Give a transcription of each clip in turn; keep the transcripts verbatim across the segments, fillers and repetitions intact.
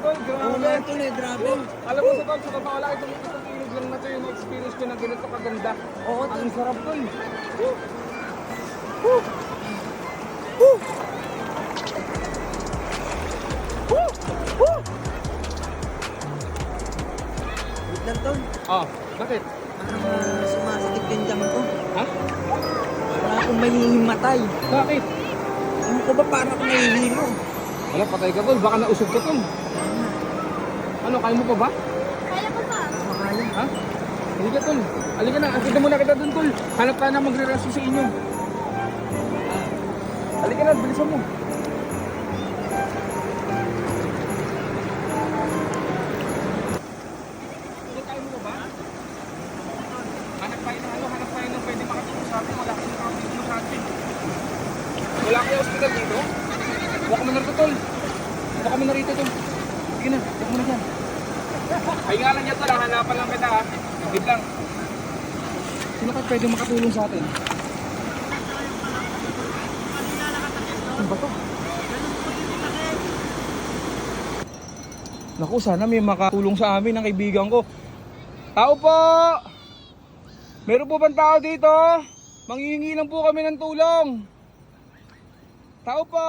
tol, grabe. Oo nga tol eh, grabe. Alam mo sa tol, sa totoo lang, itong itong ilog lang na to yung experience ko na ganito kaganda. Oo tol. Ang sarap tol. Woo! Woo! Woo! Woo! Wait lang tol. Oh, bakit? Parang uh, sumasakit yung dam ko. Ha? Para akong mahihimatay. Bakit? Ano ko ba para akong nahihilo? Wala, patay ka tol, baka nausog ka tol. Ano, kaya mo pa ba? Kaya ko pa. Makaya. Ha? Halika tol, halika na, akita muna kita dun tol. Hanap ka na magre-resto sa inyo. Halika na, bilisan mo. Kaya mo ba? Hanap tayo ng ano, hanap tayo ng pwede makatulong sa atin. Wala kayong makatulong sa atin. Wala kayo hospital dito? Huwag ka mo na rito tol. Huwag ka mo na rito tol. Sige na, huwag mo na dyan. Ay nga lang niya tol, hanapan lang kita ha. Wait lang. Sino kayo pwede makatulong sa atin? Ano ba to? Naku, sana may makatulong sa amin ng kaibigan ko. Tao po! Meron po bang tao dito? Manghihingi lang po kami ng tulong. Tao po!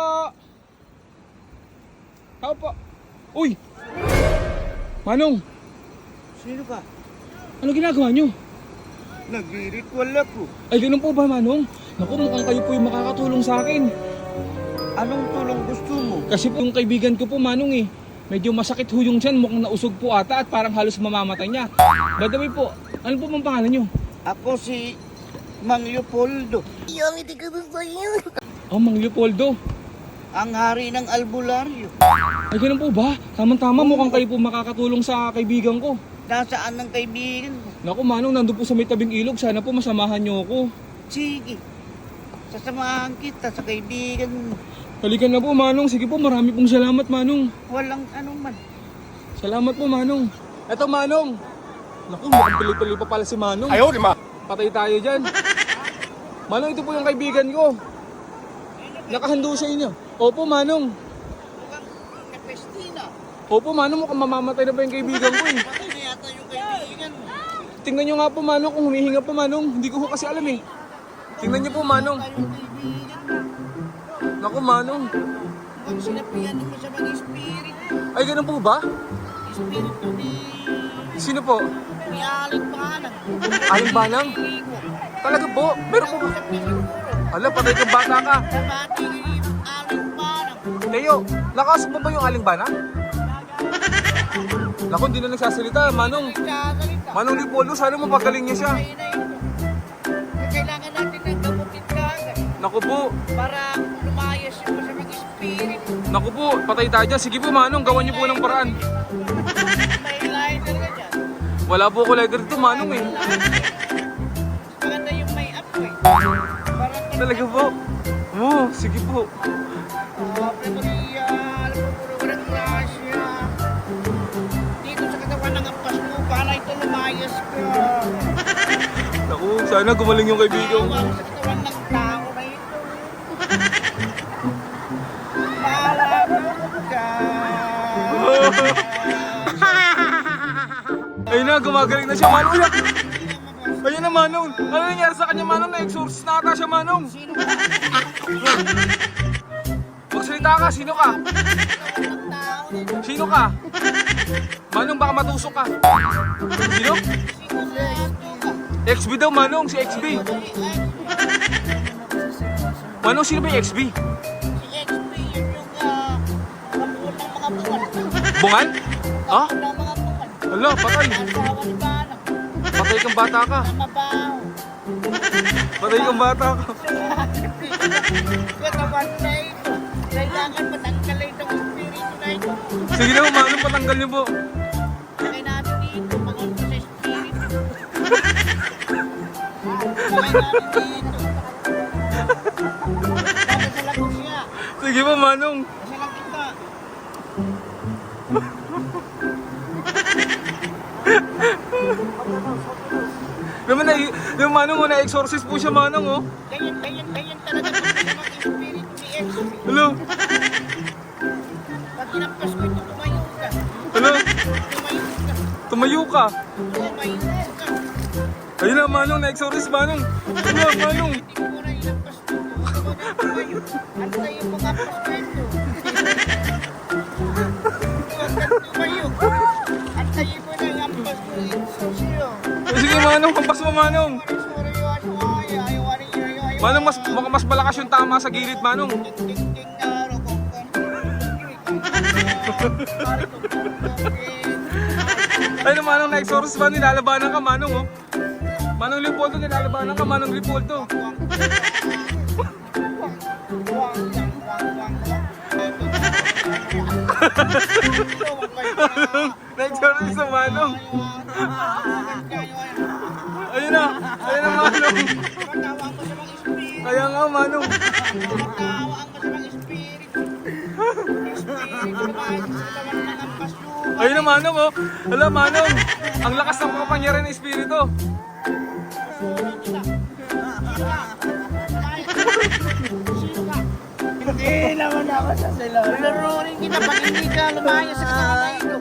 Tao po! Uy! Manong! Sino ka? Ano ginagawa nyo? Nag-ritual ako. Ay, ganun po ba, Manong? Naku, mukhang kayo po yung makakatulong sa akin. Anong tulong gusto mo? Kasi po yung kaibigan ko po, Manong eh. Medyo masakit ho yung tiyan, mukhang nausog po ata at parang halos mamamatay niya. By the way po, ano po bang pangalan nyo? Ako si Mang Leopoldo. Yung hindi ko gusto yun. Oh, Mang Leopoldo. Ang hari ng albularyo. Ay, ganun po ba? Tama-tama, mukhang kayo po makakatulong sa kaibigan ko. Nasaan ang kaibigan mo? Naku, Manong, nandun po sa may tabing ilog. Sana po masamahan nyo ako. Sige. Sasamahan kita sa kaibigan mo. Halika na po, Manong. Sige po, marami pong salamat, Manong. Walang anuman. Salamat po, Manong. Eto, Manong. Naku, mukhang tuloy-tuloy pa pala si Manong. Ayaw, lima. Patay tayo dyan. Manong, ito po yung kaibigan ko. Nakahando sa inyo. Opo, Manong. Mukhang kapestina. Opo, Manong, mukhang mamamatay na ba yung kaibigan ko eh. Patay na yata yung kaibigan mo. Tingnan nyo nga po, Manong, kung humihinga po, Manong. Hindi ko po kasi alam eh. Tingnan nyo po, Manong. Patay yung kaibigan mo. Naku, Manong. Mukhang sinapian mo sa mga spirit. Ay, ganun po ba? Spirit ko ni... Sino po? ni Aling Panang. Aling Banang? Ligo. Talaga po? Meron po ba? Sa siguro. Ala, patay kang bata ka. Sa bati ni Aling Panang. Leo, nakasok mo ba yung Aling Banang? Naku, hindi na nagsasalita, Manong. Nagsasalita. Manong Lipolo, sana mapagaling niya siya. Kaya na ito. Kailangan natin ng gamutin ka agad Naku po, para lumayas yung masamang spirit. naku po, patay tayo dyan. Sige po, Manong, gawan niyo po ng paraan. May lain talaga dyan. Wala po ko lighter dito, Manong eh. Maganda yung may up ko eh. Parang Talaga po. Oo, sige po. Ave Maria, alam mo puro walang grasya. Dito sa katawan ng ampas mo, para ito lumayas ka. Naku, sana gumaling yung kaibigan ko. Tawag sa katawan ng tao na ito. Malapot ka. Ayun na, gumagaling na siya, Manong. Uyak! Ayun na, Manong. Ano nangyari sa kanya, Manong? Na-exorcist na ata siya, Manong. Sino ba? Magsalita ka, sino ka? Ng tao na ito. Sino ka? Manong, baka matusok ka. Sino? Sino sa ito ka? X B daw, Manong, si X B. Manong, sino ba yung X B? Si X P, yun yung ah, kapunan ng mga bungal. Bungal? Ha? Kapunan ng mga bungal. Hala, patay. Asawa ni Banang. Patay kang bata ka. Na mabaho. Patay kang bata ka. Katawan na ito. Kailangan matanggalin itong espiritu na ito. Sige na, Manong, patanggal niyo po. Lagay natin dito, mga sa espiritu. Lagay natin dito. Dapat sa lagot siya. Sige po, Manong. Kasi lang kita. Naman na, yung Manong, oh, na-exorcist po siya, Manong, oh. Ganyan, ganyan, ganyan talaga ito sa mga espiritu ni X P. Hello. Pag kinampas ko ito, tumayo ka. Tumayo ka. Lumayas ka. Ayun na, Manong. Na-exorcist, Manong. Ayun na, Manong. Hindi ko na ilampas mo. Tumayo. Antayin mo nga prospecto. Tumayo. Antayin mo na ilampas mo. Sosiyo. Eh, sige, Manong. Hampas mo, Manong. Sorry, ayaw, ayaw, ayaw, ayaw, ayaw. Manong, mas, baka mas malakas yung tama sa gilid, Manong. Ding-ding-ding na araw ko. Ayun na, Manong. Na-exorcist ba? Nilalabanan ka, Manong, oh. Manong Leopoldo, nilalabanan ka, Manong Leopoldo. Na-exorcist na, Manong. Ayun na. Ayun na, Manong. Kaya nga, Manong. Ayun na, Manong, oh. Hala, Manong. Ang lakas ng kapangyarihan ng espiritu. Hindi naman ako sa sila. Laruin kita pag hindi ka lumayas sa katawan ito.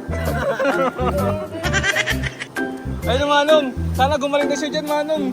Ayun na, Manong. Sana gumaling na siya dyan, Manong.